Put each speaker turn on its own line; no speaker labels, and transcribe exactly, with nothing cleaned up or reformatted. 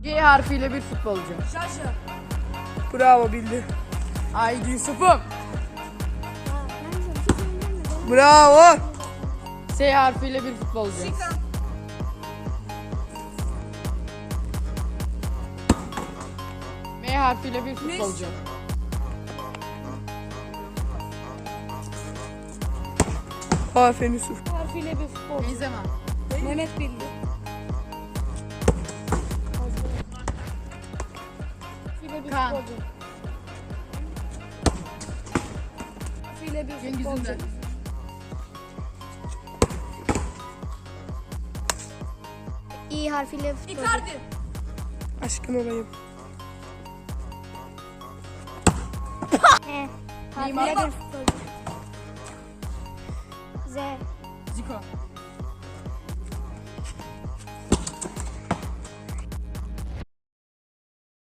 G harfiyle bir futbolcu.
Şaşır.
Bravo, bildi.
Haydi Yusuf'um.
Bravo.
S harfiyle bir futbolcu.
Sikan.
M harfiyle bir futbolcu.
Aferin Yusuf.
Harfiyle bir futbolcu.
Benzema.
Mehmet bildi. Harfiyle bir
Kaan.
futbolcu. Harfiyle bir
Cengiz
futbolcu.
Ünder.
İ harfiyle futbolcu.
Icardi.
Aşkın olayım.
E harfiyle
Neymar.
bir futbolcu. Z
Zico.